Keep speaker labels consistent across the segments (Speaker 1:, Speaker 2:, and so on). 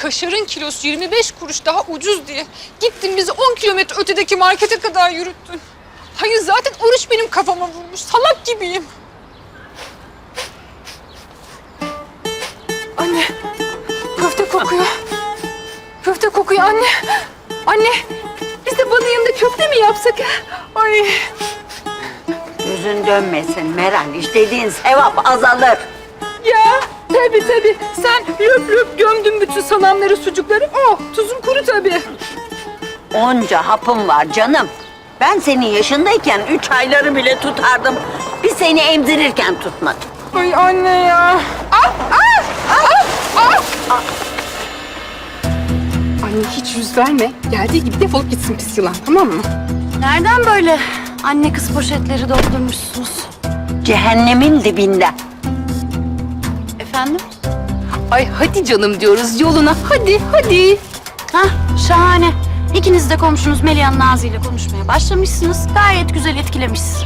Speaker 1: kaşarın kilosu 25 kuruş daha ucuz diye gittin bizi 10 kilometre ötedeki markete kadar yürüttün. Hayır zaten oruç benim kafama vurmuş. Salak gibiyim. Anne, köfte kokuyor. Köfte kokuyor anne. Anne, biz de balın yanında köfte mi yapsak? Ay.
Speaker 2: Yüzün dönmesin Meral. İşlediğin sevap azalır.
Speaker 1: Ya tabii. Sen löp löp gömdün bütün salamları, sucukları. Oh, tuzun kuru tabii.
Speaker 2: Onca hapım var canım. Ben senin yaşındayken 3 ayları bile tutardım. Bir seni emzirirken tutmadım.
Speaker 1: Ay anne ya. Anne hiç yüz verme. Geldiği gibi defolup gitsin pis yılan, tamam mı?
Speaker 3: Nereden böyle anne kız poşetleri doldurmuşsunuz?
Speaker 2: Cehennemin dibinden.
Speaker 3: Efendim?
Speaker 1: Ay hadi canım diyoruz yoluna. Hadi.
Speaker 3: Hah, şahane. İkiniz de komşunuz Melihan Nazi ile konuşmaya başlamışsınız. Gayet güzel etkilemişsiniz.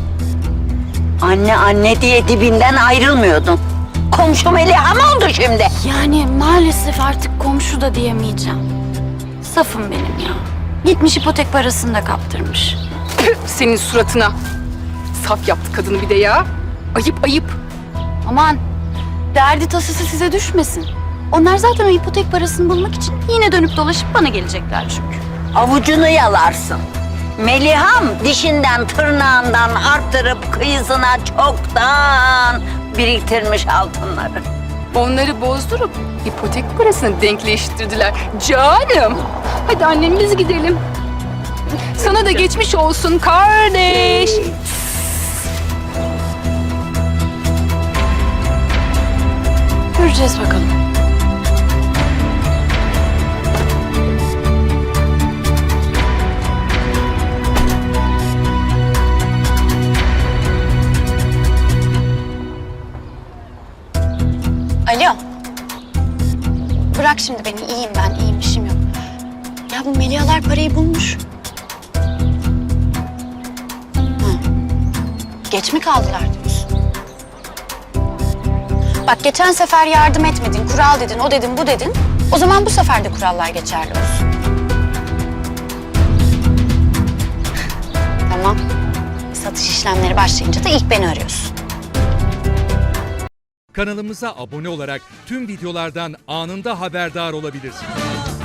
Speaker 2: Anne diye dibinden ayrılmıyordun. Komşu Meliha mı oldu şimdi?
Speaker 3: Yani maalesef artık komşu da diyemeyeceğim. Safım benim ya. Gitmiş ipotek parasını da kaptırmış.
Speaker 1: Püh, senin suratına. Saf yaptı kadını bir de ya. Ayıp.
Speaker 3: Aman, derdi tasası size düşmesin. Onlar zaten o ipotek parasını bulmak için yine dönüp dolaşıp bana gelecekler çünkü.
Speaker 2: Avucunu yalarsın. Meliham dişinden tırnağından arttırıp kıyısına çoktan biriktirmiş altınları.
Speaker 1: Onları bozdurup ipotek parasını denkleştirdiler. Canım. Hadi annem biz gidelim. Sana da geçmiş olsun kardeş.
Speaker 3: Göreceğiz bakalım. Alo. Bırak şimdi beni. İyiyim ben. İyiyim. İşim yok. Ya bu Melihalar parayı bulmuş. Geç mi kaldılar diyorsun? Bak geçen sefer yardım etmedin, kural dedin, o dedin, bu dedin. O zaman bu sefer de kurallar geçerli olsun. Tamam. Satış işlemleri başlayınca da ilk beni arıyorsun.
Speaker 4: Kanalımıza abone olarak tüm videolardan anında haberdar olabilirsiniz.